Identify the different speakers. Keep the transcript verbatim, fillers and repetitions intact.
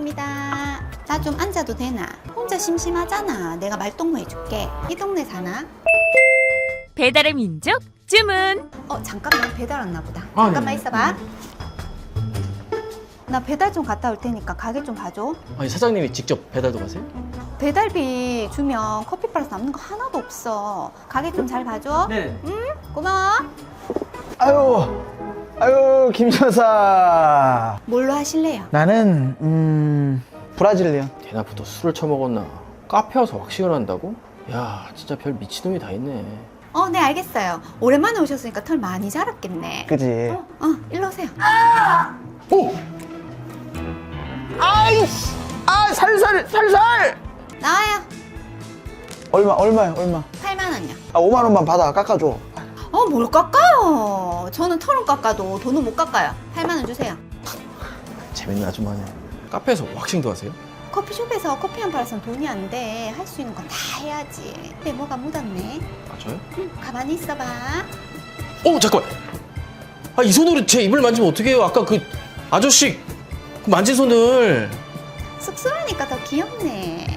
Speaker 1: 감사합니다. 나 좀 앉아도 되나? 혼자 심심하잖아. 내가 말동무 해줄게. 이 동네 사나?
Speaker 2: 배달의 민족 주문.
Speaker 1: 어 잠깐만 배달 왔나 보다.
Speaker 3: 아,
Speaker 1: 잠깐만
Speaker 3: 네.
Speaker 1: 있어봐. 나 배달 좀 갔다 올 테니까 가게 좀 봐줘.
Speaker 3: 아니 사장님이 직접 배달도 가세요?
Speaker 1: 배달비 주면 커피 플러스 남는 거 하나도 없어. 가게 좀 잘 봐줘.
Speaker 3: 네.
Speaker 1: 고마워.
Speaker 4: 아유, 아유, 김여사.
Speaker 1: 뭘로 하실래요?
Speaker 4: 나는 음 브라질리언.
Speaker 3: 대낮부터 술을 처먹었나? 카페 와서 왁싱을 한다고? 야 진짜 별 미친놈이 다 있네.
Speaker 1: 어, 네 알겠어요. 오랜만에 오셨으니까 털 많이 자랐겠네.
Speaker 4: 그지?
Speaker 1: 어, 어, 일로 오세요.
Speaker 4: 오! 아이씨! 아 살살 살살!
Speaker 1: 나와요.
Speaker 4: 얼마 얼마야 얼마?
Speaker 1: 팔만 원요.
Speaker 4: 아 오만 원만 받아 깎아줘.
Speaker 1: 어, 뭘 깎아요? 저는 털은 깎아도 돈은 못 깎아요. 팔만 원 주세요.
Speaker 3: 재밌는 아줌마네. 카페에서 왁싱도 하세요?
Speaker 1: 커피숍에서 커피 한 팔아서는 돈이 안 돼. 할 수 있는 건 다 해야지. 근데 뭐가 묻었네.
Speaker 3: 아 저요?
Speaker 1: 응, 가만히 있어봐.
Speaker 3: 어 잠깐만. 아 이 손으로 제 입을 만지면 어떻게 해요? 아까 그 아저씨 그 만진 손을.
Speaker 1: 쑥스러우니까 더 귀엽네.